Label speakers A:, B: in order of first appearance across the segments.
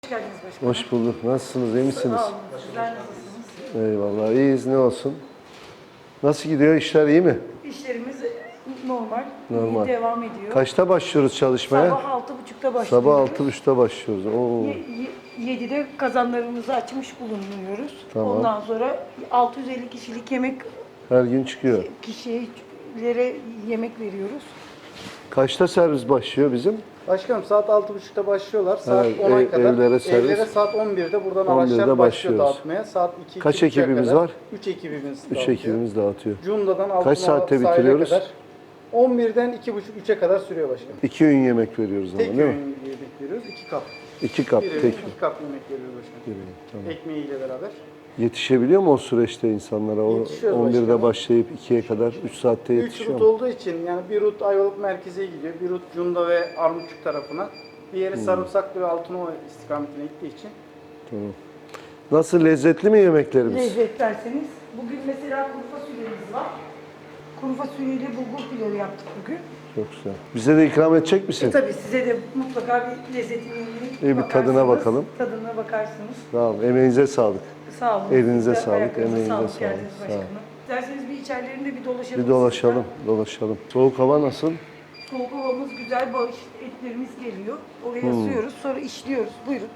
A: Hoş geldiniz başkanım.
B: Hoş bulduk. Nasılsınız? İyi misiniz?
A: Sağ olun. Sizler nasılsınız?
B: Eyvallah. İyiyiz. Ne olsun? Nasıl gidiyor? İşler iyi mi?
A: İşlerimiz normal.
B: Normal.
A: İyi devam ediyor.
B: Kaçta başlıyoruz çalışmaya?
A: Sabah 6.30'da başlıyoruz.
B: Sabah 6.30'da başlıyoruz. Oo.
A: 7'de kazanlarımızı açmış bulunuyoruz.
B: Tamam.
A: Ondan sonra 650 kişilik yemek
B: Her gün çıkıyor.
A: kişilere yemek veriyoruz.
B: Kaçta servis başlıyor bizim?
C: Başkanım saat 6.30'da başlıyorlar. Saat
B: Evet,
C: 10'a kadar.
B: evlere servis.
C: Evlere saat 11'de buradan
B: 11'de
C: araçlar başlıyor
B: başlıyoruz.
C: dağıtmaya. Saat 2
B: Kaç ekibimiz var?
C: 3 ekibimiz
B: 3
C: dağıtıyor.
B: ekibimiz dağıtıyor.
C: Cunda'dan
B: Kaç
C: Altınoluk
B: saatte
C: sahile
B: bitiriyoruz?
C: kadar 11'den 2.30-3'e kadar sürüyor başkanım.
B: 2 öğün yemek veriyoruz ama
C: Tek
B: değil mi?
C: öğün yemek veriyoruz. 2 kap.
B: 2 kap.
C: Bir öğün
B: Tek
C: 2 kap yemek veriyoruz başkanım.
B: bir öğün. Tamam.
C: Ekmeğiyle beraber.
B: Yetişebiliyor mu o süreçte insanlara? O
C: Yetişiyoruz
B: 11'de
C: başkanım.
B: başlayıp 2'ye kadar 3 saatte
C: 3
B: yetişiyor
C: rut
B: mu?
C: olduğu için yani bir rut Ayvalık merkeze gidiyor. Bir rut Cunda ve Armutçuk tarafına. Bir yeri Sarımsaklı ve Altınova istikametine gittiği için.
B: Tamam. Nasıl, lezzetli mi yemeklerimiz?
A: Lezzet verseniz. Bugün mesela kuru fasulyemiz var. Kuru fasulyeyle bulgur pilavı yaptık bugün.
B: Çok güzel. Bize de ikram edecek misin?
A: Tabii size de mutlaka bir lezzetini
B: İyi, bir tadına bakalım.
A: Tadına bakarsınız.
B: Tamam, emeğinize sağlık.
A: Sağ olun.
B: Elinize
A: Siz de
B: sağlık,
A: ayaklarınıza
B: emeğinize sağlık.
A: geldiniz
B: Sağ
A: başkanım.
B: olun.
A: İsterseniz bir içerilerinde bir dolaşalım.
B: Bir dolaşalım, dolaşalım. Soğuk hava nasıl?
A: Soğuk havamız güzel, bağış etlerimiz geliyor. Oraya asıyoruz, sonra işliyoruz. Buyurun.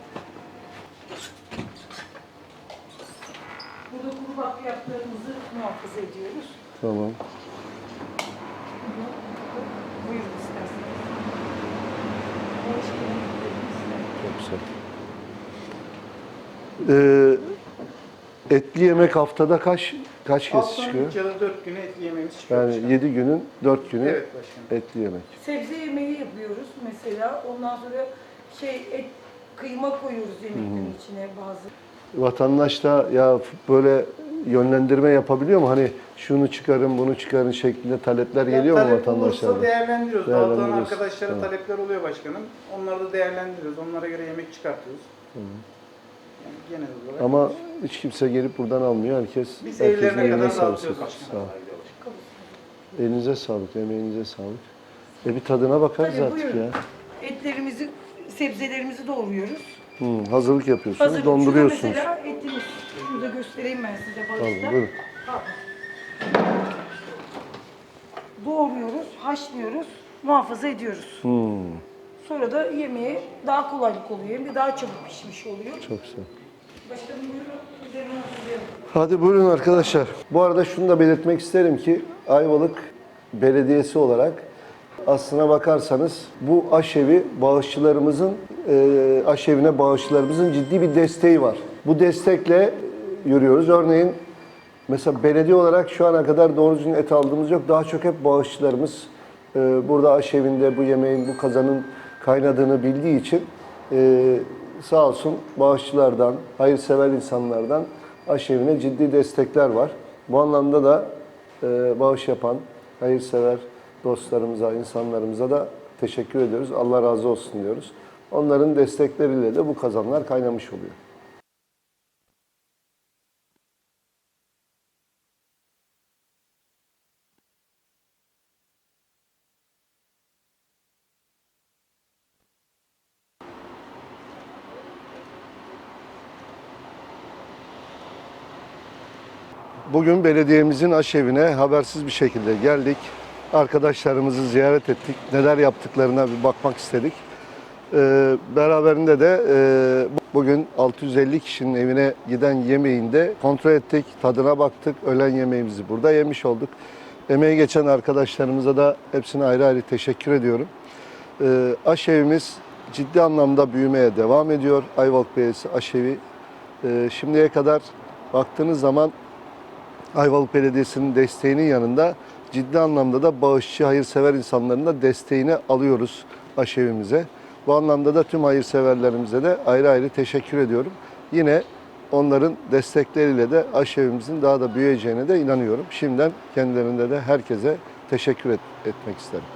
A: Burada kuru bakliyatlarımızı muhafaza ediyoruz.
B: Tamam.
A: Buyurun isterseniz. Bağış etlerimiz.
B: Çok güzel. Etli yemek haftada kaç kez
C: Haftanın
B: çıkıyor?
C: 3 ya da 4 günü etli yemeğimiz çıkıyor.
B: Yani
C: başkanım.
B: 7 günün 4 günü
C: Evet başkanım.
B: etli yemek.
A: Sebze yemeği yapıyoruz mesela. Ondan sonra et, kıyma koyuyoruz yemeklerin içine bazı.
B: Vatandaş da ya böyle yönlendirme yapabiliyor mu? Hani şunu çıkarın, bunu çıkarın şeklinde talepler geliyor mu
C: Talep
B: vatandaşlardan?
C: olursa değerlendiriyoruz.
B: Değerlendiriyoruz.
C: Dağıtılan arkadaşlara
B: Tamam.
C: talepler oluyor başkanım. Onları da değerlendiriyoruz. Onlara göre yemek çıkartıyoruz. Yani genel olarak.
B: Ama hiç kimse gelip buradan almıyor. Herkes
C: Biz
B: herkesin
C: evlerine
B: eline
C: kadar
B: sağlık.
C: dağıtıyoruz
B: Sağ
C: başkanım.
B: ol. Elinize sağlık, emeğinize sağlık. Bir tadına bakarız
A: Tabii,
B: artık
A: buyurun.
B: ya.
A: Etlerimizi, sebzelerimizi doğruyoruz.
B: Hazırlık yapıyorsunuz,
A: Hazır.
B: donduruyorsunuz.
A: Şurada mesela etimiz. Şurada göstereyim ben size
B: Tamam,
A: bağışta.
B: buyurun.
A: Doğruyoruz, haşlıyoruz, muhafaza ediyoruz. Sonra da yemeğe daha kolaylık oluyor. Hem de daha çabuk pişmiş oluyor.
B: Çok güzel.
A: Başkanım buyurun, üzerine hazırlayalım.
B: Hadi buyurun arkadaşlar. Bu arada şunu da belirtmek isterim ki Ayvalık Belediyesi olarak aslına bakarsanız bu aşevi bağışçılarımızın, aşevine bağışçılarımızın ciddi bir desteği var. Bu destekle yürüyoruz. Örneğin mesela belediye olarak şu ana kadar doğru düzgün et aldığımız yok. Daha çok hep bağışçılarımız burada aşevinde bu yemeğin, bu kazanın kaynadığını bildiği için sağ olsun bağışçılardan, hayırsever insanlardan aşevine ciddi destekler var. Bu anlamda da bağış yapan hayırsever dostlarımıza, insanlarımıza da teşekkür ediyoruz. Allah razı olsun diyoruz. Onların destekleriyle de bu kazanlar kaynamış oluyor. Bugün belediyemizin aşevine habersiz bir şekilde geldik. Arkadaşlarımızı ziyaret ettik. Neler yaptıklarına bir bakmak istedik. Beraberinde de bugün 650 kişinin evine giden yemeğini de kontrol ettik. Tadına baktık. Öğlen yemeğimizi burada yemiş olduk. Emeği geçen arkadaşlarımıza da hepsine ayrı ayrı teşekkür ediyorum. Aşevimiz ciddi anlamda büyümeye devam ediyor. Ayvalık Belediyesi aşevi. Şimdiye kadar baktığınız zaman Ayvalık Belediyesi'nin desteğinin yanında ciddi anlamda da bağışçı, hayırsever insanların da desteğini alıyoruz aşevimize. Bu anlamda da tüm hayırseverlerimize de ayrı ayrı teşekkür ediyorum. Yine onların destekleriyle de aşevimizin daha da büyüyeceğine de inanıyorum. Şimdiden kendilerinde de herkese teşekkür etmek isterim.